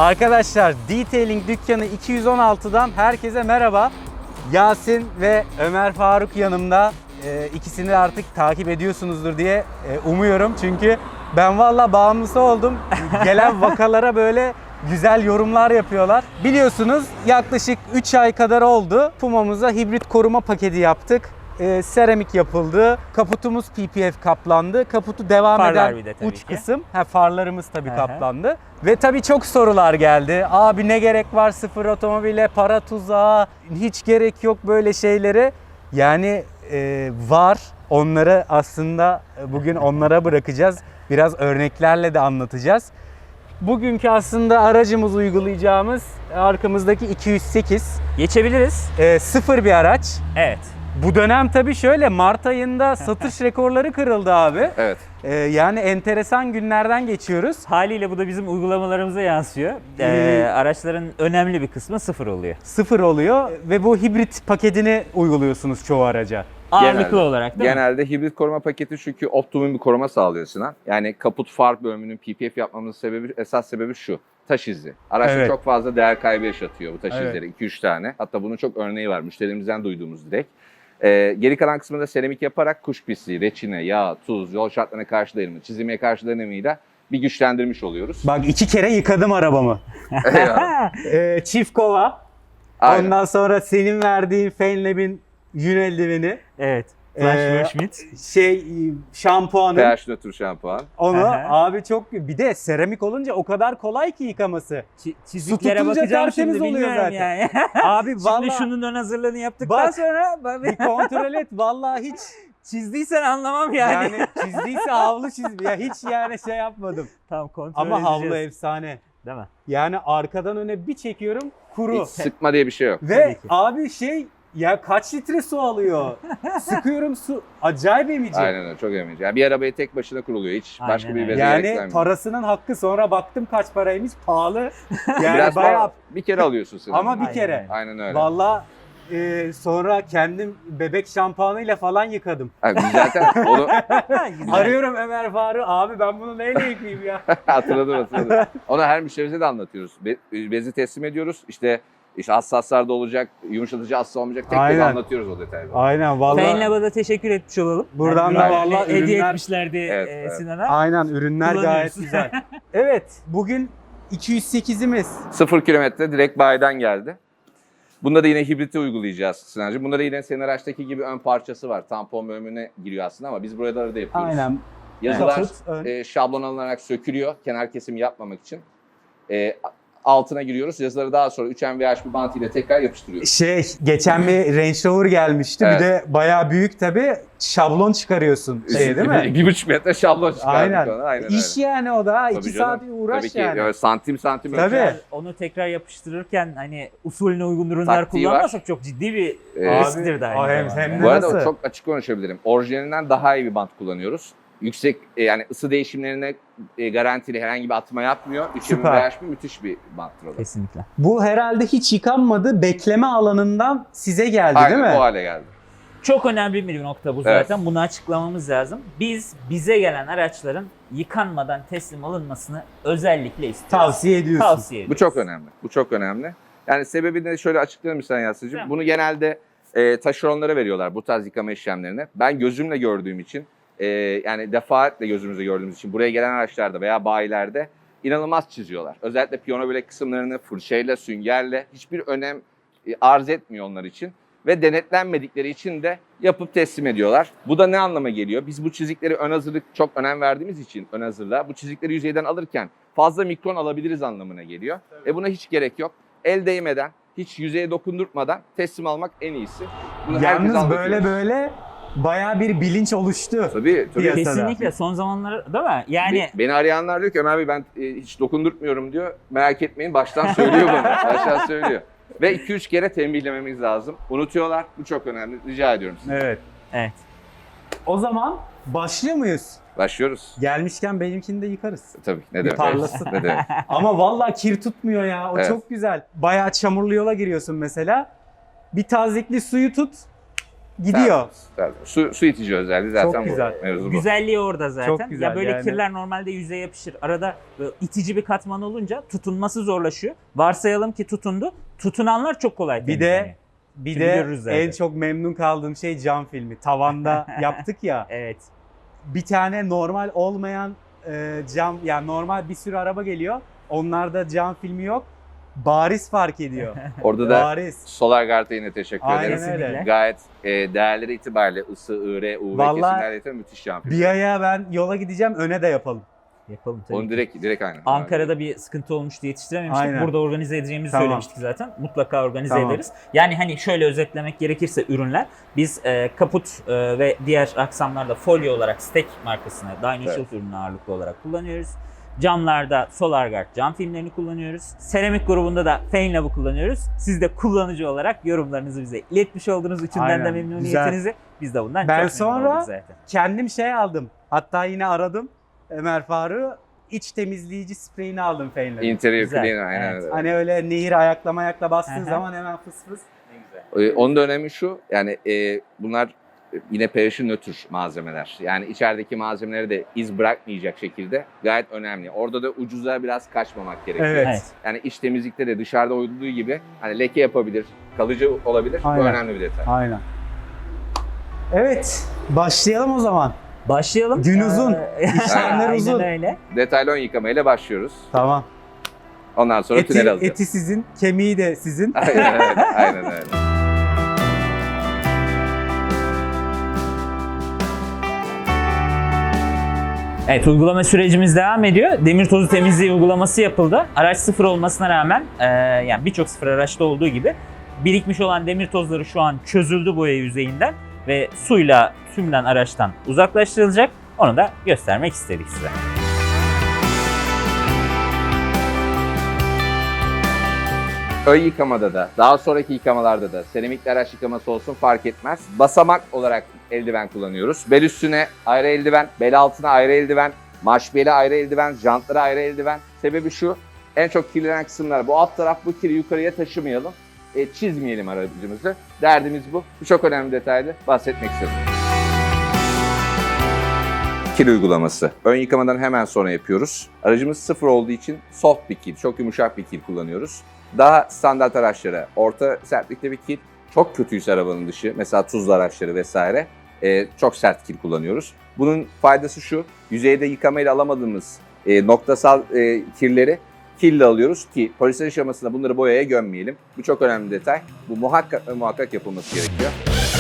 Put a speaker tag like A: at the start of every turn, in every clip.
A: Arkadaşlar Detailing Dükkanı 216'dan herkese merhaba. Yasin ve Ömer Faruk yanımda. İkisini de artık takip ediyorsunuzdur diye umuyorum. Çünkü ben valla bağımlısı oldum. Gelen vakalara böyle güzel yorumlar yapıyorlar. Biliyorsunuz yaklaşık 3 ay kadar oldu. Puma'mıza hibrit koruma paketi yaptık. Seramik yapıldı. Kaputumuz PPF kaplandı. Kaputu devam
B: Farlar
A: eden uç
B: ki.
A: kısım. Farlarımız tabii kaplandı. Ve tabii çok sorular geldi. Abi ne gerek var sıfır otomobile, para tuzağı, hiç gerek yok böyle şeylere. Yani var. Onları aslında bugün onlara bırakacağız. Biraz örneklerle de anlatacağız. Bugünkü aslında aracımız uygulayacağımız arkamızdaki 208.
B: Geçebiliriz.
A: Sıfır bir araç.
B: Evet.
A: Bu dönem tabii şöyle Mart ayında satış rekorları kırıldı abi.
C: Evet.
A: Yani enteresan günlerden geçiyoruz.
B: Haliyle bu da bizim uygulamalarımıza yansıyor. Araçların önemli bir kısmı sıfır oluyor.
A: Sıfır oluyor ve bu hibrit paketini uyguluyorsunuz çoğu araca.
B: Ağırlıklı olarak değil mi?
C: Genelde hibrit koruma paketi çünkü optimum bir koruma sağlıyor Sinan. Yani kaput far bölümünün PPF yapmamızın sebebi, esas sebebi şu. Taş izi. Araçta
A: Evet.
C: çok fazla değer kaybı yaşatıyor bu taş
A: Evet.
C: izleri. 2-3 tane. Hatta bunun çok örneği var. Müşterimizden duyduğumuz direkt. Geri kalan kısmında seramik yaparak kuş pisliği, reçine, yağ, tuz, yol şartlarına karşı dayanımı, çizilmeye karşı dayanımıyla bir güçlendirmiş oluyoruz.
A: Bak 2 kere yıkadım arabamı. Çift kova.
C: Aynen.
A: Ondan sonra senin verdiğin Fenlab'in yün eldiveni.
B: Evet. Flash Schmidt.
A: Şampuanı.
C: pH nötr şampuan.
A: Onu
B: Aha.
A: abi çok bir de seramik olunca o kadar kolay ki yıkaması.
B: Çiziklere
A: tutunca
B: bakacağım
A: tertemiz
B: şimdi
A: oluyor
B: bilmiyorum
A: zaten.
B: yani.
A: Abi
B: Şimdi
A: vallahi
B: şunun ön hazırlığını yaptıktan
A: Bak,
B: sonra
A: bir kontrol et vallahi hiç
B: çizdiysen anlamam yani.
A: yani çizdiyse havlu çiz ya hiç yani şey yapmadım.
B: Tamam, kontrol
A: Ama havlu
B: edeceğiz.
A: efsane.
B: Değil mi?
A: Yani arkadan öne bir çekiyorum kuru.
C: Hiç sıkma diye bir şey yok.
A: Ve
B: Tabii ki.
A: abi ya kaç litre su alıyor? Sıkıyorum su acayip emici.
C: Aynen öyle, çok emici. Yani bir arabayı tek başına kuruluyor. Hiç
B: Aynen
C: başka bir
B: öyle.
C: beze
A: Yani
C: gerektirmiyor.
A: parasının hakkı, sonra baktım kaç paraymış, pahalı. Yani
C: Biraz
A: bayağı
C: daha bir kere alıyorsun sen.
A: ama bir
B: Aynen
A: kere.
B: öyle.
C: Aynen öyle.
A: Vallahi sonra kendim bebek şampuanıyla falan yıkadım.
C: Abi biz zaten onu
B: Güzel.
A: Arıyorum Ömer Faruk, abi ben bunu neyle yıkayayım ya?
C: hatırladım. Onu her müşterimize de anlatıyoruz. Bezi teslim ediyoruz. İşte hassaslarda olacak, yumuşatıcı hassa olmayacak. Tek tek
A: Aynen.
C: anlatıyoruz o detayları.
A: Aynen vallahi.
B: Fenlab'a da teşekkür etmiş olalım.
A: Buradan
B: Yani
A: da
B: ürünlerini
A: vallahi
B: hediye
A: ürünler-
B: etmişlerdi
C: Evet.
B: Sinan'a.
A: Aynen, ürünler gayet
B: Kullanıyoruz.
A: güzel. Evet, bugün 208'imiz.
C: 0 kilometre direkt bayiden geldi. Bunda da yine hibriti uygulayacağız Sinancığım. Bunda da yine senin araçtaki gibi ön parçası var. Tampon bölümüne giriyor aslında ama biz burada da yapıyoruz.
A: Aynen.
C: Yazılar
A: Kaput, ön.
C: şablon alınarak sökülüyor kenar kesimi yapmamak için. Altına giriyoruz. Yazıları daha sonra 3MVH bir bant ile tekrar yapıştırıyoruz.
A: Geçen bir Range Rover gelmişti.
C: Evet.
A: Bir de bayağı büyük tabii. Şablon çıkarıyorsun. Değil mi?
C: 1,5 metre şablon çıkardık
A: Aynen.
C: ona. Aynen
A: İş
C: öyle.
A: yani o da.
C: Tabii
A: 2
C: canım.
A: saat uğraş
C: Tabii ki
A: yani.
C: evet, santim
A: Tabii.
C: ölçer.
B: Onu tekrar yapıştırırken hani usulüne uygun ürünler
C: Taktiği var.
B: kullanmazsak çok ciddi bir
C: Abi,
B: risktir de
A: hem-
B: aynı zamanda.
A: hem de
C: Bu arada
A: Nasıl?
C: çok açık konuşabilirim. Orijinalinden daha iyi bir bant kullanıyoruz. Yüksek yani ısı değişimlerine garantili herhangi bir atma yapmıyor. 3
A: Süper.
C: MVH bir müthiş bir banttır o da.
B: Kesinlikle.
A: Bu herhalde hiç yıkanmadı. Bekleme alanından size geldi
C: Aynen
A: değil mi?
C: o hale geldi.
B: Çok önemli bir nokta bu
C: Evet.
B: zaten. Bunu açıklamamız lazım. Bize gelen araçların yıkanmadan teslim alınmasını özellikle istiyoruz.
A: Tavsiye ediyorsun.
B: Tavsiye
C: Bu
B: ediyoruz.
C: çok önemli. Bu çok önemli. Yani sebebini de şöyle açıklayayım sen Yasin'cim.
B: Tamam.
C: Bunu genelde taşeronlara veriyorlar bu tarz yıkama işlemlerini. Ben gözümle gördüğüm için yani defaatle gözümüzle gördüğümüz için buraya gelen araçlarda veya bayilerde inanılmaz çiziyorlar. Özellikle piyano bilek kısımlarını fırçayla, süngerle hiçbir önem arz etmiyor onlar için. Ve denetlenmedikleri için de yapıp teslim ediyorlar. Bu da ne anlama geliyor? Biz bu çizikleri ön hazırlık çok önem verdiğimiz için ön hazırlığa bu çizikleri yüzeyden alırken fazla mikron alabiliriz anlamına geliyor. Buna hiç gerek yok. El değmeden, hiç yüzeye dokundurtmadan teslim almak en iyisi. Bunu herkese
A: Yalnız
C: anlatıyoruz.
A: böyle bayağı bir bilinç oluştu.
C: Tabii.
A: Piyasada.
B: Kesinlikle son zamanlar değil mi? Yani
C: Beni arayanlar diyor ki Ömer Bey ben hiç dokundurtmuyorum diyor. Merak etmeyin baştan söylüyor bunu. Baştan söylüyor. Ve 2-3 kere tembihlememiz lazım. Unutuyorlar. Bu çok önemli. Rica ediyorum size.
A: Evet. O zaman başlıyor muyuz?
C: Başlıyoruz.
A: Gelmişken benimkini de yıkarız.
C: Tabii. Ne
A: Bir
C: demek?
A: parlasın.
C: Ne demek?
A: Ama vallahi kir tutmuyor ya. O
C: Evet.
A: çok güzel. Bayağı çamurlu yola giriyorsun mesela. Bir tazikli suyu tut. gidiyor.
C: Su itici özelliği zaten
A: Çok
C: bu.
A: güzel.
C: Mevzu bu.
B: Güzelliği orada zaten.
A: Çok güzel
B: Ya böyle
A: yani.
B: kirler normalde yüzeye yapışır. Arada böyle itici bir katman olunca tutunması zorlaşıyor. Varsayalım ki tutundu. Tutunanlar çok kolay
A: Bir
B: temizleniyor.
A: de bir
B: Şimdi
A: de
B: görürüz zaten.
A: en çok memnun kaldığım şey cam filmi. Tavanda yaptık ya.
B: Evet.
A: Bir tane normal olmayan cam, yani normal bir sürü araba geliyor. Onlarda cam filmi yok. Bariz fark ediyor.
C: Orada da
A: Bariz.
C: SolarGuard'a yine teşekkür
A: Aynen
C: ederim.
B: Kesinlikle.
A: öyle.
C: Gayet değerleri itibariyle ısı, IR, UV
A: Vallahi
C: kesimlerle itibariyle müthiş şampiyon.
A: Bir aya ben yola gideceğim, öne de yapalım.
B: Yapalım tabii
C: Onu
B: ki.
C: direkt aynı.
B: Ankara'da bir sıkıntı olmuştu, yetiştirememiştik.
A: Aynen.
B: Burada organize edeceğimizi
A: Tamam.
B: söylemiştik zaten. Mutlaka organize
A: Tamam.
B: ederiz. Yani hani şöyle özetlemek gerekirse ürünler, biz kaput ve diğer aksamlarda folyo olarak Stek markasını Dyno Shield ürünü ağırlıklı olarak kullanıyoruz. Camlarda SolarGuard cam filmlerini kullanıyoruz. Seramik grubunda da Fainlab'ı kullanıyoruz. Siz de kullanıcı olarak yorumlarınızı bize iletmiş olduğunuz üçünden
A: Aynen.
B: de memnuniyetinizi. Biz de bundan
A: Ben
B: çok memnun
A: sonra-
B: olduk zaten.
A: Kendim şey aldım. Hatta yine aradım Ömer Faruk'u. İç temizleyici spreyini aldım Feynler'in.
C: Interior
B: Güzel,
C: cleaner aynen
B: evet.
C: öyle.
A: Hani öyle nehir ayakla bastığın
B: Aha.
A: zaman hemen fıs fıs.
C: Onun da önemi şu, yani bunlar yine pH nötr malzemeler. Yani içerideki malzemeleri de iz bırakmayacak şekilde gayet önemli. Orada da ucuza biraz kaçmamak gerekiyor.
A: Evet.
B: Evet.
C: Yani iç temizlikte de dışarıda olduğu gibi hani leke yapabilir, kalıcı olabilir.
A: Aynen.
C: Bu önemli bir detay.
A: Aynen. Evet, başlayalım o zaman.
B: Başlayalım.
A: Gün uzun, işlemler
B: Aynen
A: uzun.
B: öyle.
C: Detaylı ön yıkamayla başlıyoruz.
A: Tamam.
C: Ondan sonra tünel alacağız.
A: Eti sizin, kemiği de sizin.
C: Aynen öyle. Aynen öyle.
B: Evet, uygulama sürecimiz devam ediyor. Demir tozu temizliği uygulaması yapıldı. Araç sıfır olmasına rağmen yani birçok sıfır araçta olduğu gibi birikmiş olan demir tozları şu an çözüldü boya yüzeyinden ve suyla tümden araçtan uzaklaştırılacak. Onu da göstermek istedik size.
C: Ön yıkamada da, daha sonraki yıkamalarda da seramikli araç yıkaması olsun fark etmez. Basamak olarak eldiven kullanıyoruz. Bel üstüne ayrı eldiven, bel altına ayrı eldiven, marş beli ayrı eldiven, jantlara ayrı eldiven. Sebebi şu, en çok kirlenen kısımlar bu alt taraf, bu kiri yukarıya taşımayalım, çizmeyelim aracımızı. Derdimiz bu. Bu çok önemli detaylı bahsetmek istedim. Kil uygulaması. Ön yıkamadan hemen sonra yapıyoruz. Aracımız sıfır olduğu için soft bir kil, çok yumuşak bir kil kullanıyoruz. Daha standart araçlara orta sertlikte bir kil, çok kötüyse arabanın dışı, mesela tuzlu araçları vesaire, çok sert kil kullanıyoruz. Bunun faydası şu, yüzeyde yıkamayla alamadığımız noktasal kirleri kille alıyoruz ki polisler aşamasında bunları boyaya gömmeyelim. Bu çok önemli detay. Bu muhakkak ve muhakkak yapılması gerekiyor.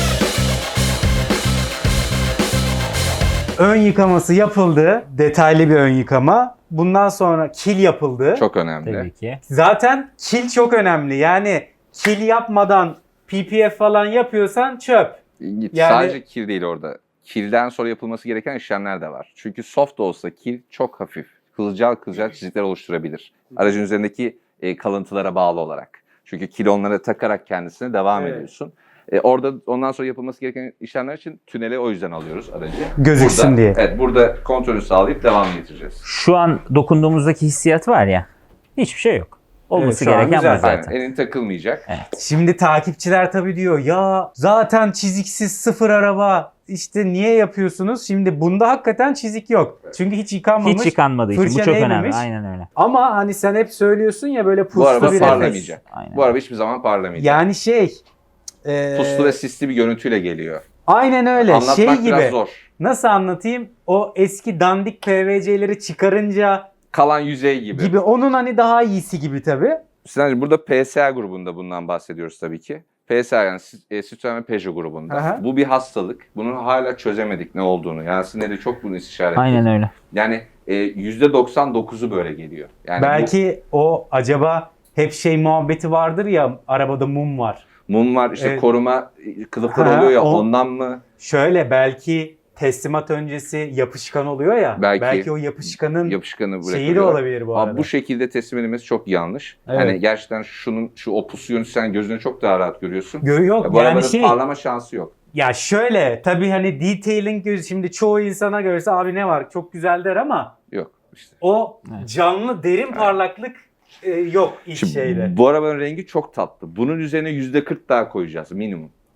A: Ön yıkaması yapıldı. Detaylı bir ön yıkama. Bundan sonra kil yapıldı.
C: Çok önemli.
B: Tabii ki.
A: Zaten kil çok önemli. Yani kil yapmadan PPF falan yapıyorsan çöp. Yani-
C: Sadece kil değil orada. Kilden sonra yapılması gereken işlemler de var. Çünkü soft da olsa kil çok hafif. Kılcal çizikler oluşturabilir. Aracın üzerindeki kalıntılara bağlı olarak. Çünkü kil onlara takarak kendisine devam
A: Evet.
C: ediyorsun. Orada ondan sonra yapılması gereken işlemler için tünele o yüzden alıyoruz aracı.
A: Gözüksün
C: Burada-
A: diye.
C: Evet, burada kontrolü sağlayıp devam getireceğiz.
B: Şu an dokunduğumuzdaki hissiyat var ya, hiçbir şey yok. Olması
A: Evet, şu an
B: gereken
A: güzel.
B: bu zaten.
C: Aynen, elin takılmayacak.
A: Şimdi takipçiler tabii diyor ya zaten çiziksiz sıfır araba işte niye yapıyorsunuz? Şimdi bunda hakikaten çizik yok. Çünkü hiç yıkanmamış.
B: Hiç yıkanmadığı için bu
A: fırça
B: çok önemli.
A: değmemiş.
B: Aynen öyle.
A: Ama hani sen hep söylüyorsun ya böyle puslu
C: Bu araba
A: bir
C: parlamayacak.
B: Aynen.
C: Bu araba hiçbir zaman parlamayacak.
A: Yani şey
C: Puslu ve sisli bir görüntüyle geliyor.
A: aynen öyle
C: Anlatmak
A: şey
C: biraz
A: gibi.
C: zor.
A: Nasıl anlatayım? O eski dandik PVC'leri çıkarınca
C: Kalan yüzey
A: gibi onun hani daha iyisi gibi tabii.
C: Sinancığım burada PSA grubunda bundan bahsediyoruz tabii ki. PSA yani Citroen ve Peugeot grubunda.
A: Aha.
C: Bu bir hastalık. Bunun hala çözemedik ne olduğunu. Yasin de çok bunu istişare etti.
B: Aynen öyle.
C: Yani %99'u böyle geliyor. Yani
A: Belki o acaba hep şey muhabbeti vardır ya arabada mum var.
C: bu mum var işte
A: Evet.
C: koruma kılıfları
A: Ha,
C: oluyor ya
A: o-
C: ondan mı?
A: Şöyle belki teslimat öncesi yapışkan oluyor ya.
C: Belki
A: o yapışkanın
C: Yapışkanı
A: şeyi de
C: bırakıyorlar.
A: olabilir bu
C: Ama
A: arada.
C: bu şekilde teslim edilmesi çok yanlış.
A: Evet.
C: Hani gerçekten şu o pusu sen gözüne çok daha rahat görüyorsun.
A: Yok
C: Bu
A: yani
C: arabanın
A: şey
C: parlama şansı yok.
A: ya şöyle tabii hani detailing gözü şimdi çoğu insana görse abi ne var çok güzel der ama
C: Yok işte.
A: o
B: Evet.
A: canlı derin parlaklık yok ilk
C: Şimdi
A: şeyde.
C: bu arabanın rengi çok tatlı. Bunun üzerine %40 daha koyacağız minimum.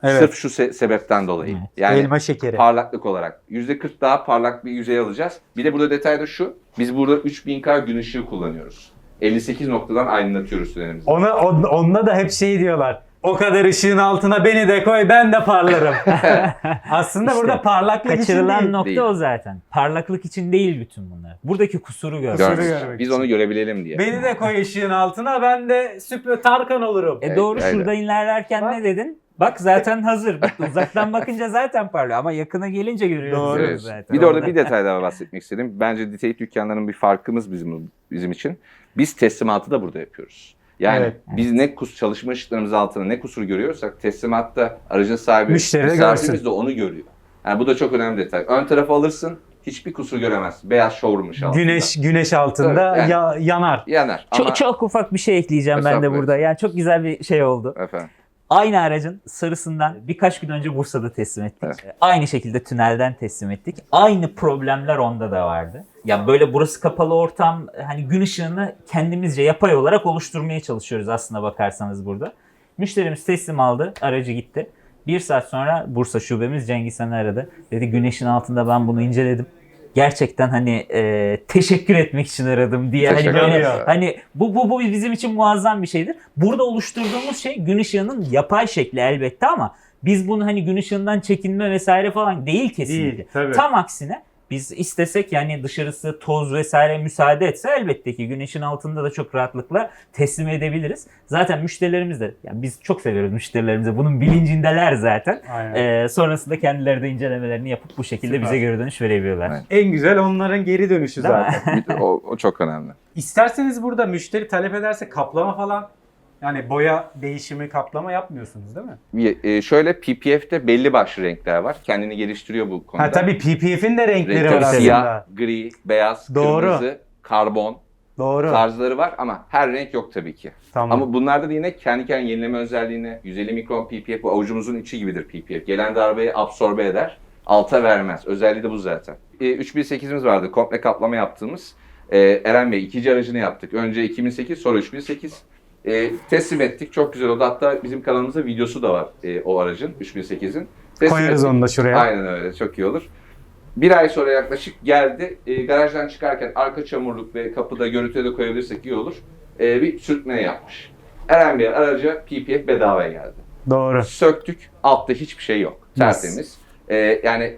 A: Evet.
C: Sırf şu sebepten dolayı.
B: Evet.
C: Yani
A: Elma şekeri.
C: parlaklık olarak. %40 daha parlak bir yüzey alacağız. Bir de burada detay da şu. Biz burada 3000K gün ışığı kullanıyoruz. 58 noktadan aydınlatıyoruz sürenimizi.
A: Onunla da hep şey diyorlar. O kadar ışığın altına beni de koy, ben de parlarım. Aslında
B: İşte
A: burada parlaklık için
B: Kaçırılan
A: değil.
B: nokta
C: Değil.
B: o zaten. Parlaklık için değil bütün bunlar. Buradaki kusuru görmek.
A: Kusuru
C: Görmüş.
A: görmek
C: Biz
A: için.
C: onu görebilelim diye.
A: Beni de koy ışığın altına, ben de süper Tarkan olurum.
B: Doğru,
C: Evet,
B: şurada ilerlerken
A: Bak.
B: ne dedin? Bak zaten hazır. Bak, uzaktan bakınca zaten parlıyor ama yakına gelince görüyoruz
A: Doğru.
C: Evet.
B: zaten.
C: Bir de orada bir detay daha bahsetmek istedim. Bence detaylı dükkanların bir farkımız bizim için. Biz teslimatı da burada yapıyoruz. Yani
A: Evet.
C: biz ne çalışma ışıklarımız altında ne kusur görüyorsak teslimatta aracın sahibi,
A: Müşteri de
C: misafirimiz
A: görsün.
C: de onu görüyor. Yani bu da çok önemli detay. Ön tarafı alırsın, hiçbir kusur göremezsin. Beyaz showroom ışığı altında.
A: Güneş altında
C: Tabii, yani-
A: yanar.
C: Yanar ama...
B: Çok ufak bir şey ekleyeceğim ben de
C: Estağfurullah.
B: burada. Yani çok güzel bir şey oldu.
C: Efendim.
B: Aynı aracın sarısından birkaç gün önce Bursa'da teslim ettik.
C: Evet.
B: Aynı şekilde tünelden teslim ettik. Aynı problemler onda da vardı. Ya böyle burası kapalı ortam, hani gün ışığını kendimizce yapay olarak oluşturmaya çalışıyoruz aslında bakarsanız burada. Müşterimiz teslim aldı, aracı gitti. Bir saat sonra Bursa şubemiz Cengiz Han'ı aradı. Dedi güneşin altında ben bunu inceledim. Gerçekten hani teşekkür etmek için aradım diye. Hani
C: Teşekkür
B: böyle,
C: ederim.
B: hani bu bizim için muazzam bir şeydir. Burada oluşturduğumuz şey gün ışığının yapay şekli elbette ama biz bunu hani gün ışığından çekinme vesaire falan değil kesinlikle.
A: Değil, tabii.
B: Tam aksine biz istesek yani dışarısı toz vesaire müsaade etse elbette ki güneşin altında da çok rahatlıkla teslim edebiliriz. Zaten müşterilerimiz de, yani biz çok seviyoruz müşterilerimizi, bunun bilincindeler zaten.
A: Aynen.
B: Sonrasında kendileri de incelemelerini yapıp bu şekilde
A: Süper.
B: bize geri dönüş verebiliyorlar.
C: Evet.
A: En güzel onların geri dönüşü
B: Değil mi?
A: zaten.
C: O çok önemli.
A: İsterseniz burada müşteri talep ederse kaplama falan, yani boya değişimi, kaplama yapmıyorsunuz değil mi?
C: Şöyle PPF'te belli başlı renkler var. Kendini geliştiriyor bu konuda.
A: Ha tabii PPF'in de renkleri
C: Renkleri
A: var aslında.
C: siyah, gri, beyaz,
A: Doğru.
C: kırmızı, karbon
A: Doğru.
C: tarzları var ama her renk yok tabii ki.
A: Tamam.
C: Ama bunlarda da yine kendi kendine yenileme özelliğine 150 mikron PPF, bu avucumuzun içi gibidir PPF. Gelen darbeyi absorbe eder, alta vermez. Özelliği de bu zaten. 3008'imiz vardı, komple kaplama yaptığımız. Eren Bey ikinci aracını yaptık. Önce 2008, sonra 3008. Teslim ettik. Çok güzel oldu. Hatta bizim kanalımızda videosu da var o aracın, 3008'in.
A: Koyarız onu da şuraya.
C: Aynen öyle. Çok iyi olur. Bir ay sonra yaklaşık geldi. Garajdan çıkarken arka çamurluk ve kapıda görüntüye de koyabilirsek iyi olur. Bir sürtme yapmış. Eren Bey araca PPF bedavaya geldi.
A: Doğru.
C: Söktük. Altta hiçbir şey yok. Tertemiz. Yani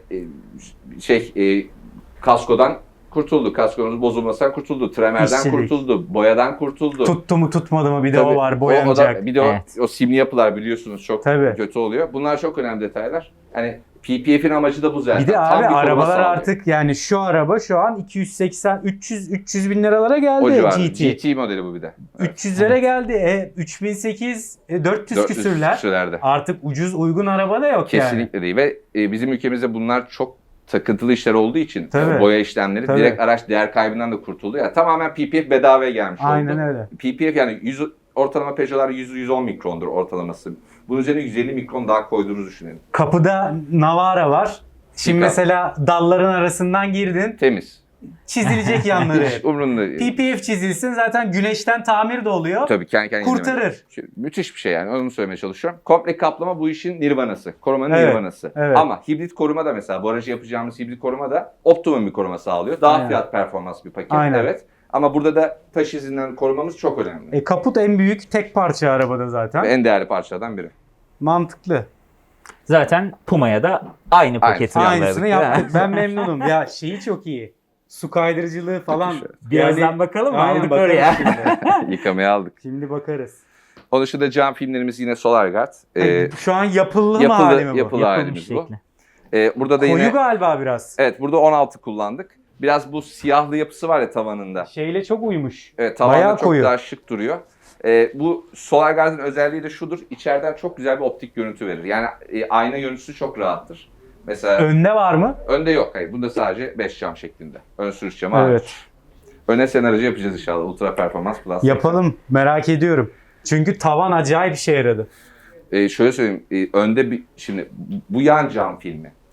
C: kaskodan kurtuldu. Kaskonuz bozulmasından kurtuldu. Tremerden
A: İşçilik.
C: kurtuldu. Boyadan kurtuldu.
A: Tuttu mu tutmadı mı bir de
C: Tabii,
A: o var,
C: o
A: boyanacak.
C: da, bir de
B: Evet.
C: o simli yapılar biliyorsunuz çok
A: Tabii.
C: kötü oluyor. Bunlar çok önemli detaylar. Hani PPF'in amacı da bu zaten.
A: Bir de
C: Tam
A: abi
C: bir koruma
A: arabalar
C: sağlıyor.
A: artık, yani şu araba şu an 280 300 bin liralara geldi
C: o civarı.
A: GT.
C: GT modeli bu bir de. Evet.
A: 300'lere geldi. 3008 400 küsürler.
C: küsürlerde.
A: Artık ucuz uygun araba da yok yani.
C: Kesinlikle değil ve bizim ülkemizde bunlar çok takıntılı işler olduğu için
A: Tabii.
C: boya işlemleri
A: Tabii.
C: direkt araç değer kaybından da kurtuldu. Yani tamamen PPF bedavaya gelmiş
A: Aynen
C: oldu.
A: öyle.
C: PPF yani ortalama Peugeot'lar 100-110 mikrondur ortalaması. Bunun üzerine 150 mikron daha koyduğunuzu düşünelim.
A: Kapıda Navara var. Şimdi
C: Yıkar.
A: mesela dalların arasından girdin.
C: Temiz.
A: Çizilecek yanları
C: Hiç
A: hep.
C: umurunda değil.
A: PPF çizilsin, zaten güneşten tamir de oluyor.
C: Tabii kendi kendine
A: Kurtarır.
C: indirmek. Müthiş bir şey yani, onu söylemeye çalışıyorum. Komple kaplama bu işin nirvanası. Korumanın
A: Evet,
C: nirvanası.
A: evet.
C: Ama hibrit koruma da mesela bu aracı yapacağımız hibrit koruma da optimum bir koruma sağlıyor. Daha
A: Aynen.
C: fiyat performans bir paket.
A: Aynen.
C: Evet. Ama burada da taş izinden korumamız çok önemli.
A: Kaput en büyük tek parça arabada zaten.
C: Ve en değerli parçalardan biri.
A: Mantıklı.
B: Zaten Puma'ya da aynı paketi
A: Aynısını
B: yolladık, değil mi?
A: yaptık. Ben memnunum. Ya şeyi çok iyi. Su kaydırıcılığı falan.
C: Müthiş.
B: Birazdan
A: Yani-
B: bakalım mı?
A: Aynen,
B: Aldık
A: bakarız
B: oraya.
A: Şimdi.
C: Yıkamaya aldık.
A: Şimdi bakarız.
C: Onun dışında cam filmlerimiz yine SolarGuard.
A: Şu an yapıldı mı hali mi bu?
C: yapılı
B: Yapılmış
C: halimiz bu.
B: şekli.
C: Burada da
A: Koyu
C: yine
A: galiba biraz.
C: evet, burada 16 kullandık. Biraz bu siyahlı yapısı var ya tavanında.
A: Şeyle çok uymuş.
C: Evet, tavanda
A: Bayağı
C: çok
A: koyu.
C: daha şık duruyor. Bu SolarGuard'ın özelliği de şudur. İçeriden çok güzel bir optik görüntü verir. Yani ayna görüntüsü çok rahattır. Mesela
A: Önde var mı?
C: önde yok. Hayır, bunda sadece 5 cam şeklinde. Ön sürüş camı hariç.
A: Evet.
C: Öne sen aracı yapacağız inşallah. Ultra Performans Plus.
A: Yapalım. Merak ediyorum. Çünkü tavan acayip işe yaradı.
C: Şöyle söyleyeyim. Önde şimdi bu yan cam filmi.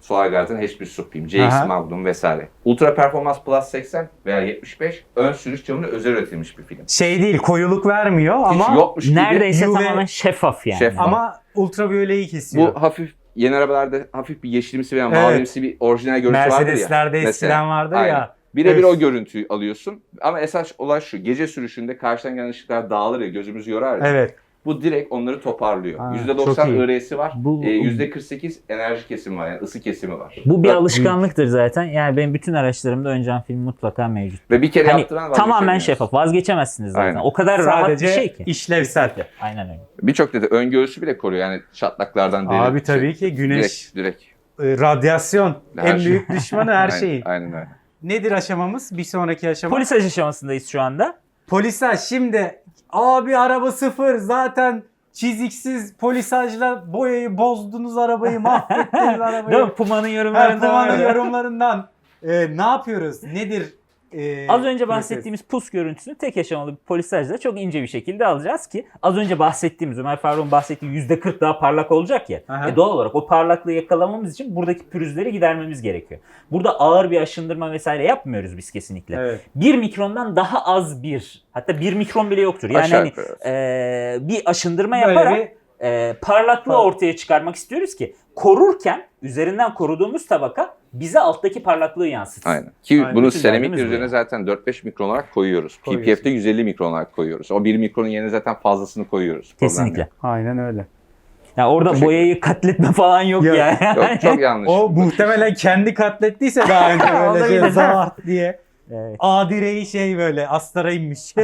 C: Solarguard'ın H1 Supreme, CX
A: Aha.
C: Magnum vesaire. Ultra Performance Plus 80 veya 75 ön sürüş camına özel üretilmiş bir film.
A: Şey değil, koyuluk vermiyor
C: Hiç
A: ama
C: yokmuş gibi.
B: Neredeyse
A: UV
B: tamamen şeffaf yani.
C: Şeffaf.
A: ama ultraviyoleyi kesiyor.
C: Bu hafif yeni arabalarda hafif bir yeşilimsi veya mavimsi bir orijinal görüntü vardır ya.
A: Mercedes'lerde eskiden
C: Mesela.
A: vardır
C: Aynen.
A: ya.
C: Birebir
A: Evet.
C: o görüntüyü alıyorsun. Ama esas olay şu. Gece sürüşünde karşıdan gelen ışıklar dağılır ya, gözümüzü yorar ya.
A: Evet.
C: Bu direkt onları toparlıyor.
A: Ha,
C: %90
A: çok iyi.
C: IRS'i var.
B: Bu-
C: %48 enerji kesimi var. Yani ısı kesimi var.
B: Bu bir
C: Bak,
B: alışkanlıktır zaten. Yani benim bütün araçlarımda ön cam film mutlaka mevcut.
C: Ve bir kere
B: Hani
C: yaptıran
B: tamamen
C: vazgeçemiyorsun.
B: şeffaf. Vazgeçemezsiniz zaten.
C: Aynen.
B: O kadar rahat
A: Sadece
B: bir şey ki.
A: işlevsel.
B: Aynen öyle.
C: Birçok dedi ön göğsü bile koruyor. Yani çatlaklardan değil.
A: Abi tabii ki güneş,
C: Direkt.
A: radyasyon
C: Her
A: en
C: şey.
A: büyük düşmanı her şeyin.
C: Aynen öyle.
A: Nedir aşamamız? Bir sonraki aşama.
B: Polisaj aşamasındayız şu anda.
A: Polisaj şimdi abi araba sıfır zaten çiziksiz polisajla boyayı bozdunuz arabayı mahvettiniz arabayı.
B: Değil mi? Puma'nın
A: Her
B: yorumlarında
A: puanın
B: vardı.
A: yorumlarından ne yapıyoruz? Nedir?
B: Az önce
A: proses?
B: bahsettiğimiz pus görüntüsünü tek aşamalı bir polisajla çok ince bir şekilde alacağız ki az önce bahsettiğimiz Ömer Faruk'un bahsettiği %40 daha parlak olacak ya.
A: Aha.
B: Doğal olarak o parlaklığı yakalamamız için buradaki pürüzleri gidermemiz gerekiyor. Burada ağır bir aşındırma vesaire yapmıyoruz biz kesinlikle.
A: Evet.
B: 1 mikrondan daha az hatta 1 mikron bile yoktur. Yani
C: Aşağı
B: hani
C: yukarı.
B: bir aşındırma
A: Böyle
B: yaparak
A: bir
B: parlaklığı ortaya çıkarmak istiyoruz ki korurken üzerinden koruduğumuz tabaka bize alttaki parlaklığı yansıtsın.
C: Aynen. Ki
A: Aynen.
C: bunu
B: Bütün
C: seramik
B: derdimiz bu
C: üzerine
B: yani.
C: zaten 4-5 mikron olarak koyuyoruz.
A: Koyuyorsun.
C: PPF'de 150 mikron olarak koyuyoruz. O 1 mikronun yerine zaten fazlasını koyuyoruz. Problem
B: Kesinlikle.
C: yok.
A: aynen öyle.
B: Yani orada
C: Teşekkür
B: boyayı katletme falan yok
A: Yok,
B: yani.
C: Yok, çok yanlış.
A: O muhtemelen kendi katlettiyse daha önce böyle şey
B: Olabilir.
A: zart diye.
B: Evet.
A: A direği şey böyle astara inmiş.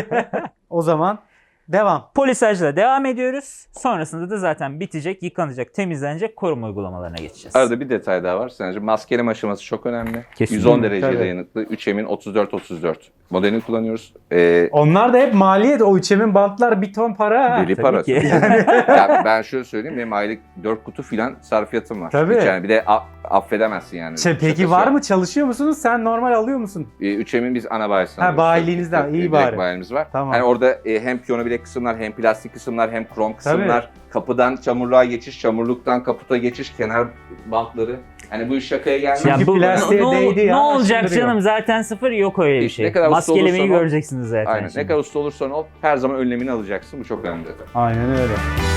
A: O zaman devam.
B: Polisajla devam ediyoruz. Sonrasında da zaten bitecek, yıkanacak, temizlenecek koruma uygulamalarına geçeceğiz.
C: Arada bir detay daha var. Sence maskeleme aşaması çok önemli.
B: Kesinlikle.
C: 110 dereceye
A: Tabii.
C: dayanıklı 3M'in 34-34 modelini kullanıyoruz.
A: Onlar da hep maliyet. O üçemin bantlar bir ton para. ha.
C: Deli
B: tabii
C: para.
B: ki.
C: Ya ben şöyle söyleyeyim, benim aylık 4 kutu filan sarfiyatım var.
A: Tabii.
C: Hiç yani bir de affedemezsin yani.
A: Peki
C: Şakası
A: var
C: yok.
A: mı? Çalışıyor musunuz? Sen normal alıyor musun?
C: 3M'in biz ana bayisini
A: Ha,
C: alıyoruz.
A: bayiliğinizden,
C: Tabii,
A: iyi
C: direkt
A: bari.
C: bayilimiz var.
A: Tamam.
C: Hani orada hem piyano bilek kısımlar, hem plastik kısımlar, hem krom kısımlar, kapıdan çamurluğa geçiş, çamurluktan kaputa geçiş, kenar bantları. Hani bu iş şakaya gelmez.
A: Çünkü plastiğe değdi ya,
B: ne olacak
A: aşındırıyor.
B: canım, zaten sıfır, yok öyle bir
C: İşte
B: şey.
C: ne kadar usta
B: Maskelemeyi
C: olursan ol.
B: göreceksiniz zaten.
C: Aynen.
B: şimdi.
C: Ne kadar usta olursan ol, her zaman önlemini alacaksın. Bu çok önemli zaten.
A: Aynen öyle.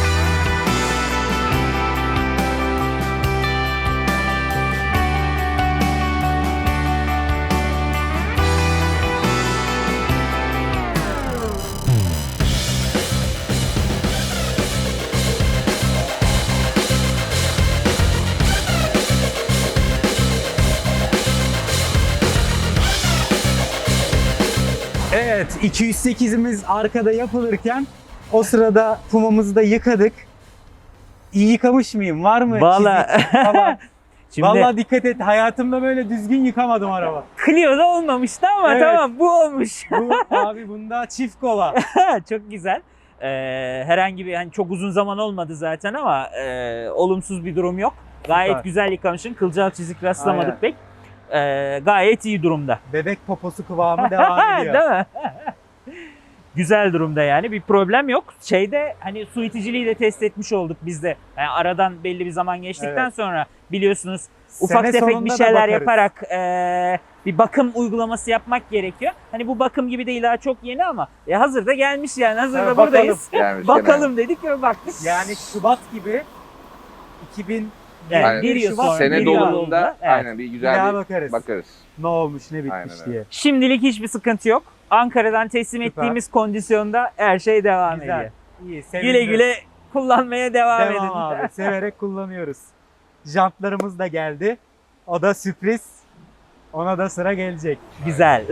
A: Evet, 208'imiz arkada yapılırken o sırada Puma'mızı da yıkadık. İyi yıkamış mıyım? Var mı?
B: Vallahi-
A: çizik falan?
B: Şimdi
A: Vallahi dikkat et. Hayatımda böyle düzgün yıkamadım araba.
B: Clio'da olmamıştı ama
A: Evet.
B: tamam, bu olmuş.
A: Bu, abi bunda çift kola.
B: Çok güzel. Herhangi bir, hani çok uzun zaman olmadı zaten ama olumsuz bir durum yok. Gayet
A: Süper.
B: güzel yıkamışsın. Kılcal çizik rastlamadık
A: Aynen.
B: pek. Gayet iyi durumda.
A: Bebek poposu kıvamı devam ediyor.
B: Değil mi? Güzel durumda yani, bir problem yok. Şeyde hani su iticiliği de test etmiş olduk biz de. Yani aradan belli bir zaman geçtikten
A: Evet.
B: sonra biliyorsunuz ufak
A: Sene
B: tefek
A: sonunda
B: bir
A: da
B: şeyler
A: bakarız.
B: yaparak bir bakım uygulaması yapmak gerekiyor. Hani bu bakım gibi değil, daha çok yeni ama hazır da gelmiş yani, hazır
A: Evet,
B: da buradayız.
C: Gelmiş
B: Bakalım dedik ve baktık.
A: Yani Şubat gibi 2000
B: Evet,
C: Aynen.
B: bir yıl
A: Şubat,
B: sonra,
C: Sene
B: bir yıl
C: dolumunda
B: olduğunda, evet.
C: aynen bir
A: bir
C: güzel
A: daha
C: bir
A: bakarız.
C: bakarız.
A: Ne olmuş ne bitmiş
C: Aynen öyle.
A: diye.
B: Şimdilik hiçbir sıkıntı yok. Ankara'dan teslim
A: Süper.
B: ettiğimiz kondisyonda her şey devam
A: Güzel.
B: ediyor.
A: İyi, sevindim.
B: Güle güle kullanmaya devam edin.
A: Devam abi. Severek kullanıyoruz. Jantlarımız da geldi. O da sürpriz. Ona da sıra gelecek.
B: Güzel.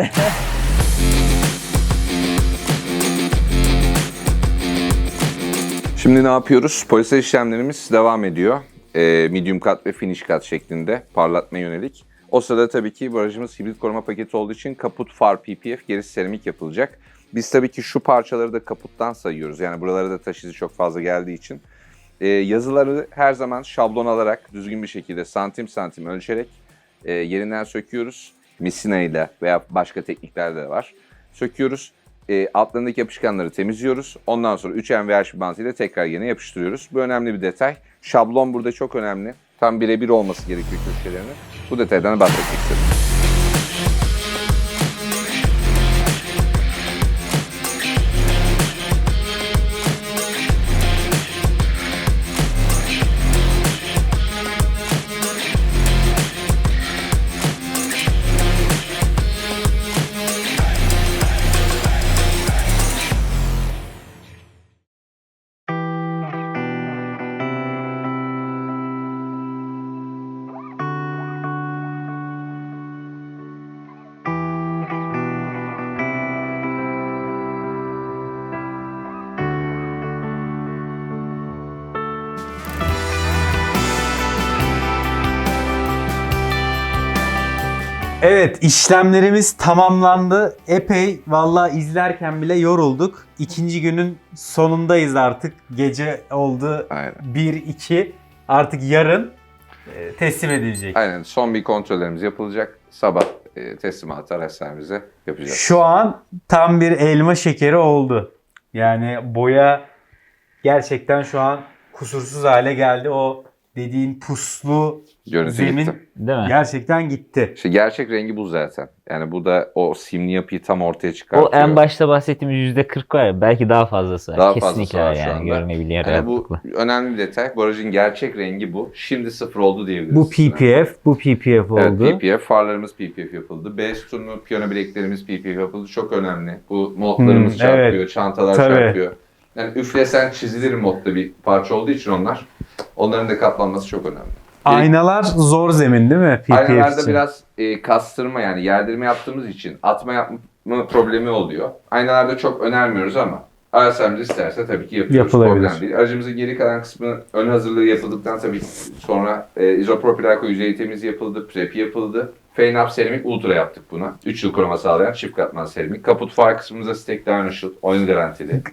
C: Şimdi ne yapıyoruz? Polisaj işlemlerimiz devam ediyor. Medium cut ve finish cut şeklinde parlatma yönelik. O sırada tabii ki bu aracımız hibrit koruma paketi olduğu için kaput, far, PPF, gerisi seramik yapılacak. Biz tabii ki şu parçaları da kaputtan sayıyoruz. Yani buralara da taş izi çok fazla geldiği için. Yazıları her zaman şablon alarak, düzgün bir şekilde santim santim ölçerek yerinden söküyoruz. Misina ile veya başka teknikler de var. Söküyoruz. Altlarındaki yapışkanları temizliyoruz. Ondan sonra 3M ve H1 bantıyla tekrar yerine yapıştırıyoruz. Bu önemli bir detay. Şablon burada çok önemli. Tam birebir olması gerekiyor köşelerinin. Bu detaydan bahsetmek istedim.
A: Evet, işlemlerimiz tamamlandı. Epey vallahi izlerken bile yorulduk. İkinci günün sonundayız artık. Gece oldu
C: Aynen.
A: 1-2. Artık yarın teslim edilecek.
C: Aynen. Son bir kontrollerimiz yapılacak. Sabah teslimatı araç sahibimize yapacağız.
A: Şu an tam bir elma şekeri oldu. Yani boya gerçekten şu an kusursuz hale geldi. O dediğin puslu
C: Görüntü
A: zemin
C: gitti.
B: Değil mi?
A: gerçekten gitti.
C: İşte gerçek rengi bu zaten. Yani bu da o simli yapıyı tam ortaya çıkartıyor.
B: O en başta bahsettiğimiz %40 var ya, belki daha fazlası var.
C: Daha
B: Kesinlikle
C: fazlası var
B: var
C: şu
B: yani,
C: anda.
B: görünebilir
C: Yani bu
B: rahatlıkla.
C: önemli bir detay. Bu aracın gerçek rengi bu. Şimdi sıfır oldu diyebiliriz.
A: Bu PPF, bu PPF oldu.
C: Evet, PPF. Farlarımız PPF yapıldı. B sütunu, piyano bileklerimiz PPF yapıldı. Çok önemli. Bu modlarımız çarpıyor,
A: evet.
C: çantalar
A: Tabii.
C: çarpıyor. Yani üflesen çizilir modda bir parça olduğu için onlar. Onların da kaplanması çok önemli.
A: Aynalar zor zemin değil mi? PPF
C: Aynalarda
A: için.
C: biraz kastırma yani yerdirme yaptığımız için atma yapma problemi oluyor. Aynalarda çok önermiyoruz ama RSM'ci isterse tabii ki yapıyoruz.
A: Yapılabilir.
C: Problem değil. Aracımızın geri kalan kısmı ön hazırlığı yapıldıktan tabii sonra izopropil alkol yüzeyi temizliği yapıldı, prep yapıldı. Fane Up seramik ultra yaptık buna. 3 yıl koruma sağlayan çift katman seramik. Kaput far kısmımıza Stek Dinoshut oyun garantili.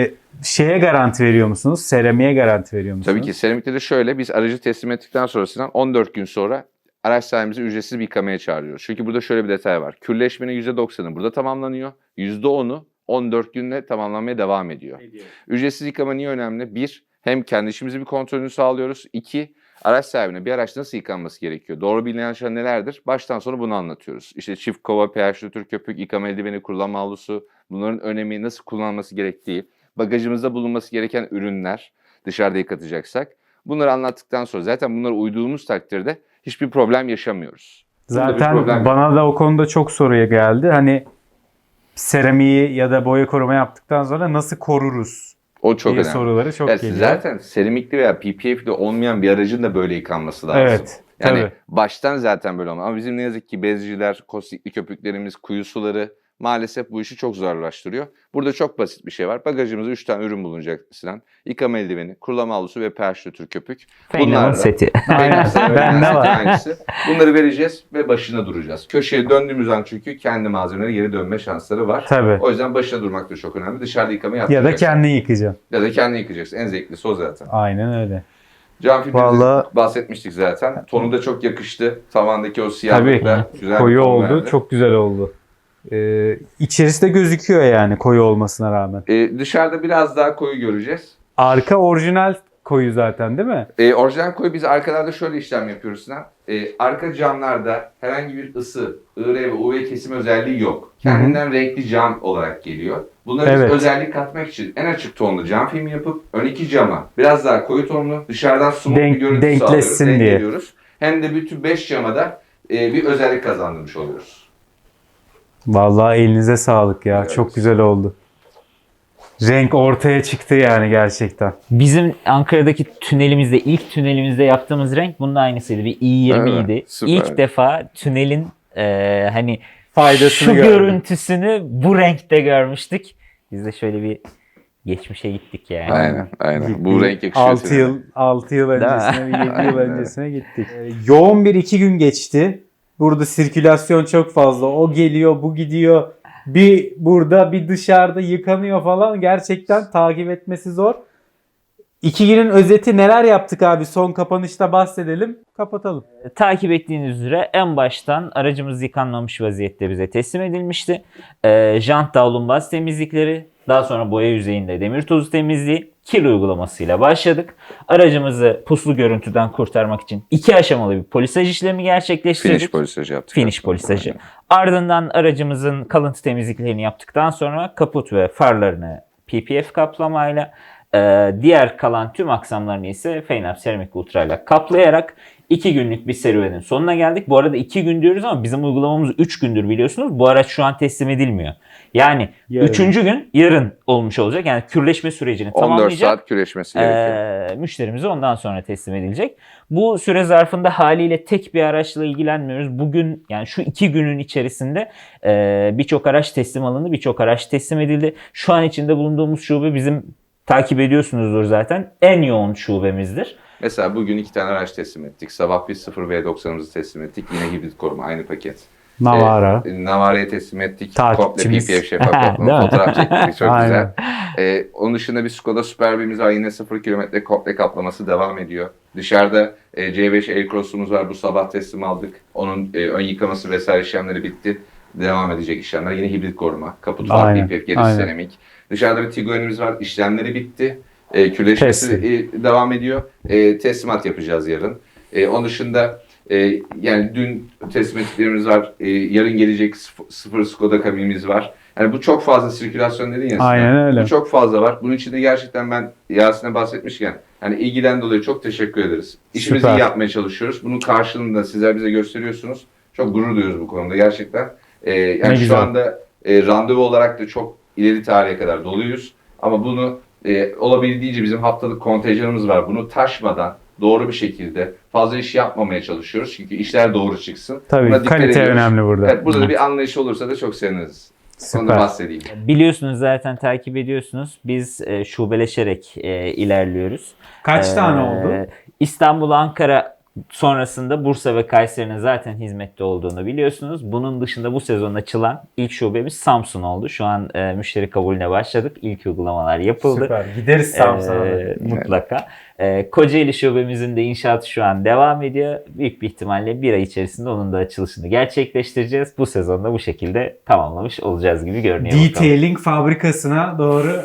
A: Şeye garanti veriyor musunuz? Seramiğe garanti veriyor musunuz?
C: Tabii ki seramikte de şöyle biz aracı teslim ettikten sonrasından 14 gün sonra araç sahibimizi ücretsiz bir yıkamaya çağırıyoruz. Çünkü burada şöyle bir detay var. Kürleşmenin %90'ı burada tamamlanıyor. %10'u 14 günle tamamlanmaya devam ediyor. Ücretsiz yıkama niye önemli? Bir, hem kendi işimizi bir kontrolünü sağlıyoruz. İki, araç sahibine bir araç nasıl yıkanması gerekiyor? Doğru bilinen şeyler nelerdir? Baştan sona bunu anlatıyoruz. İşte çift kova, pH nötr köpük, yıkama eldiveni, kullanma havlusu, bunların önemi, nasıl kullanılması gerektiği, bagajımızda bulunması gereken ürünler, dışarıda yıkatacaksak. Bunları anlattıktan sonra zaten bunlara uyduğumuz takdirde hiçbir problem yaşamıyoruz. Bunda bir
A: Zaten
C: problem yok.
A: bana da o konuda çok soruya geldi. Hani seramiği ya da boya koruma yaptıktan sonra nasıl koruruz
C: O çok
A: diye
C: önemli.
A: soruları çok
C: Evet,
A: geliyor.
C: zaten seramikli veya PPF'li olmayan bir aracın da böyle yıkanması lazım.
A: Evet.
C: Yani
A: tabii.
C: baştan zaten böyle olmalı. Ama bizim ne yazık ki bezciler, kostikli köpüklerimiz, kuyu suları maalesef bu işi çok zorlaştırıyor. Burada çok basit bir şey var. Bagajımızda 3 tane ürün bulunacak Sinan. Yıkama eldiveni, kullanma havlusu ve pH nötr köpük.
B: Feynman'ın seti.
A: Aynen. Bende var.
C: Hangisi? Bunları vereceğiz ve başına duracağız. Köşeye döndüğümüz an çünkü kendi malzemeleri geri dönme şansları var.
A: Tabii.
C: O yüzden başına durmak da çok önemli. Dışarıda yıkama
A: Ya
C: yapmayacaksın.
A: da kendin yıkayacaksın.
C: Ya da kendin yıkayacaksın. En zevklisi o zaten.
A: Aynen öyle.
C: Cam filmimizden
A: Vallahi-
C: bahsetmiştik zaten. Tonu da çok yakıştı. Tavandaki o
A: Tabii.
C: siyahlıkla güzel
A: Koyu
C: bir ton
A: oldu.
C: verdi.
A: Çok güzel oldu. İçerisi de gözüküyor yani koyu olmasına rağmen.
C: Dışarıda biraz daha koyu göreceğiz.
A: Arka orijinal koyu zaten değil mi?
C: Orijinal koyu biz arkalarda şöyle işlem yapıyoruz Sinan. Arka camlarda herhangi bir ısı, IR ve UV kesim özelliği yok. Kendinden renkli cam olarak geliyor. Bunları
A: Evet.
C: biz özellik katmak için en açık tonlu cam filmi yapıp ön iki cama biraz daha koyu tonlu dışarıdan smooth bir görüntü
A: denkleşsin
C: sağlıyoruz.
A: diye.
C: Dengeliyoruz. Hem de bütün 5 cama da bir özellik kazandırmış oluyoruz.
A: Vallahi elinize sağlık ya.
C: Evet.
A: Çok güzel oldu. Renk ortaya çıktı yani gerçekten.
B: Bizim Ankara'daki tünelimizde, ilk tünelimizde yaptığımız renk bunun aynısıydı. Bir i20
C: Evet,
B: idi.
C: süper.
B: İlk defa tünelin hani
A: Faydasını
B: şu
A: gördüm.
B: görüntüsünü bu renkte görmüştük. Biz de şöyle bir geçmişe gittik yani.
C: Aynen. Bu renk yakışıyor.
A: 6 yıl
B: Değil mi?
A: öncesine, 7 yıl
C: Aynen.
A: öncesine gittik. Yoğun bir 2 gün geçti. Burada sirkülasyon çok fazla. O geliyor, bu gidiyor. Bir burada, bir dışarıda yıkanıyor falan. Gerçekten takip etmesi zor. 2 günün özeti neler yaptık abi? Son kapanışta bahsedelim. Kapatalım.
B: Takip ettiğiniz üzere en baştan aracımız yıkanmamış vaziyette bize teslim edilmişti. Jant davlumbaz temizlikleri, Daha sonra boya yüzeyinde demir tozu temizliği, kil uygulamasıyla başladık. Aracımızı puslu görüntüden kurtarmak için 2 aşamalı bir polisaj işlemi gerçekleştirdik.
C: Finish polisajı yaptık.
B: Finish polisajı. Ardından aracımızın kalıntı temizliklerini yaptıktan sonra kaput ve farlarını PPF kaplamayla, diğer kalan tüm aksamlarını ise Feynap Seramik Ultra ile kaplayarak 2 günlük bir serüvenin sonuna geldik. Bu arada 2 gün diyoruz ama bizim uygulamamız 3 gündür biliyorsunuz. Bu araç şu an teslim edilmiyor. Yani
A: Yarın.
B: 3. gün yarın olmuş olacak. Yani kürleşme sürecini
C: 14
B: tamamlayacak.
C: saat küreşmesi gerekiyor.
B: Müşterimize ondan sonra teslim edilecek. Bu süre zarfında haliyle tek bir araçla ilgilenmiyoruz. Bugün yani şu 2 günün içerisinde birçok araç teslim alındı, birçok araç teslim edildi. Şu an içinde bulunduğumuz şube bizim takip ediyorsunuzdur zaten en yoğun şubemizdir.
C: Mesela bugün 2 tane araç teslim ettik. Sabah biz 0V90'ımızı teslim ettik. Yine hibrit koruma aynı paket.
A: Navara.
C: Navara'yı teslim ettik.
A: Takipçimiz.
C: Komple PPF şeffaf
B: Değil
C: kaplama
B: mi?
C: fotoğraf çektik. Çok
A: Aynen.
C: güzel. Onun dışında bir Skoda Superb'imiz var. Yine 0 kilometre komple kaplaması devam ediyor. Dışarıda C5 Aircross'umuz var. Bu sabah teslim aldık. Onun ön yıkaması vesaire işlemleri bitti. Devam edecek işlemler. Yine hibrit koruma. Kaput var,
A: Aynen,
C: PPF, gerisi
A: aynen.
C: seramik. Dışarıda bir Tiguan'imiz var. İşlemleri bitti. Kürleşmesi devam ediyor. Teslimat yapacağız yarın. Onun dışında yani dün teslim ettiklerimiz var. Yarın gelecek 0 Skoda kabinimiz var. Yani bu çok fazla sirkülasyon dedin ya. Sinan.
A: Aynen öyle.
C: Bu çok fazla var. Bunun için de gerçekten ben Yasin'e bahsetmişken yani ilgiden dolayı çok teşekkür ederiz. İşimizi
A: Süper.
C: iyi yapmaya çalışıyoruz. Bunun karşılığında sizler bize gösteriyorsunuz. Çok gurur duyuyoruz bu konuda gerçekten. Yani şu
A: güzel.
C: anda randevu olarak da çok ileri tarihe kadar doluyuz. Ama bunu olabildiğince bizim haftalık kontenjanımız var. Bunu taşmadan doğru bir şekilde fazla iş yapmamaya çalışıyoruz. Çünkü işler doğru çıksın.
A: Tabii
C: Buna dikkat
A: kalite
C: ediyoruz.
A: önemli burada.
C: Evet, burada da bir anlayış olursa da çok seviniriz. Onu da
A: Süper.
C: bahsedeyim.
B: Biliyorsunuz zaten takip ediyorsunuz. Biz şubeleşerek ilerliyoruz.
A: Kaç tane oldu?
B: İstanbul, Ankara sonrasında Bursa ve Kayseri'nin zaten hizmette olduğunu biliyorsunuz. Bunun dışında bu sezon açılan ilk şubemiz Samsun oldu. Şu an müşteri kabulüne başladık. İlk uygulamalar yapıldı.
A: Süper. Gideriz Samsun'a.
B: Mutlaka. Kocaeli şubemizin de inşaatı şu an devam ediyor. Büyük bir ihtimalle bir ay içerisinde onun da açılışını gerçekleştireceğiz. Bu sezonda bu şekilde tamamlamış olacağız gibi görünüyor. bakalım.
A: Detailing fabrikasına doğru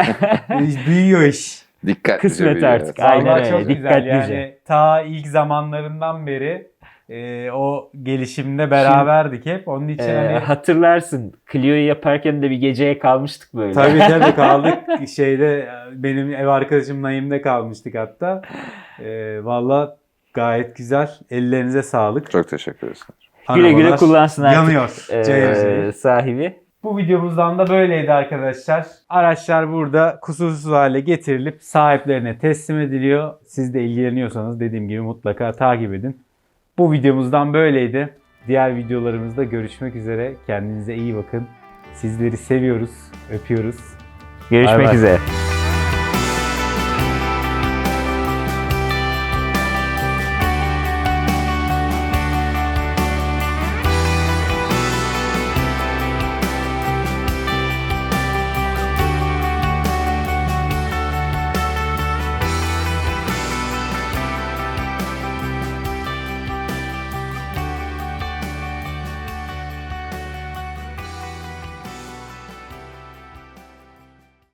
A: büyüyor iş.
C: Dikkatlice
B: Kısmet
C: büyüyor,
B: artık.
C: evet.
B: Aynen
A: Vallahi
B: öyle.
A: çok güzel.
B: Dikkatlice.
A: Yani ta ilk zamanlarından beri o gelişimde beraberdik hep. Onun için hani
B: Hatırlarsın Clio'yu yaparken de bir geceye kalmıştık böyle.
A: tabii kaldık. Şeyde benim ev arkadaşım Naim'de kalmıştık hatta. Valla gayet güzel. Ellerinize sağlık.
C: Çok teşekkür ederiz.
B: Güle güle
A: Arabalar
B: kullansın artık.
A: yanıyor. CRC.
B: Sahibi.
A: Bu videomuzdan da böyleydi arkadaşlar. Araçlar burada kusursuz hale getirilip sahiplerine teslim ediliyor. Siz de ilgileniyorsanız dediğim gibi mutlaka takip edin. Bu videomuzdan böyleydi. Diğer videolarımızda görüşmek üzere. Kendinize iyi bakın. Sizleri seviyoruz, öpüyoruz.
B: Görüşmek
A: Bay bay.
B: üzere.